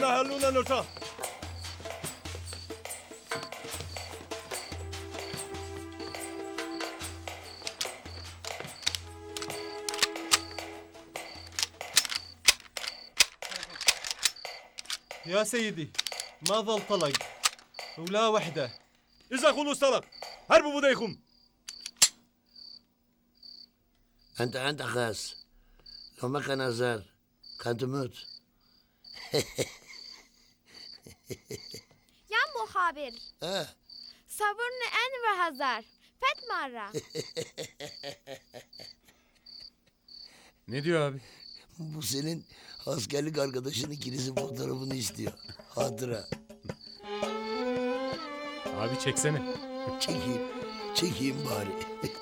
أنا هلونا نرتاح. يا سيدي ما ظل طلق ولا وحدة. إذا خلص طلق هربوا بديكم. أنت خاص. لو ما كان هزار كان تموت. يا مخابر صبرني أنور هزار فت مرة. Ne diyor abi? Bu senin askerlik arkadaşının ikinizin fotoğrafını istiyor. Hatıra. Abi çeksene. Çekeyim bari.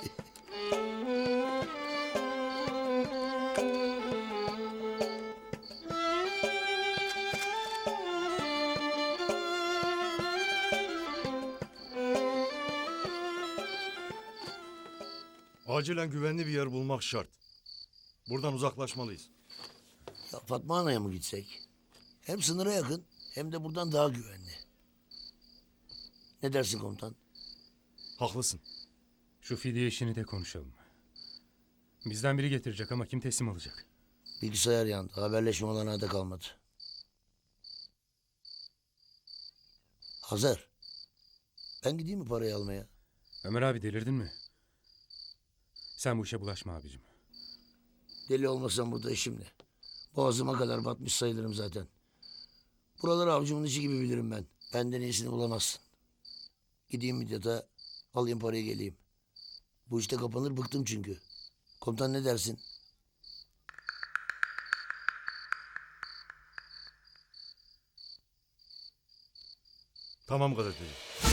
Acilen güvenli bir yer bulmak şart. Buradan uzaklaşmalıyız. Ya Fatma Ana'ya mı gitsek? Hem sınıra yakın hem de buradan daha güvenli. Ne dersin komutan? Haklısın. Şu fidye işini de konuşalım. Bizden biri getirecek ama kim teslim alacak? Bilgisayar yandı. Haberleşme olanağı da kalmadı. Hazır. Ben gideyim mi parayı almaya? Ömer abi delirdin mi? Sen bu işe bulaşma abicim. Deli olmasam burada işim ne? Boğazıma kadar batmış sayılırım zaten. Buraları avucumun içi gibi bilirim ben. Benden iyisini bulamazsın. Gideyim Midyat'a, alayım parayı geleyim. Bu işte kapanır, bıktım çünkü. Komutan ne dersin? Tamam gazeteci.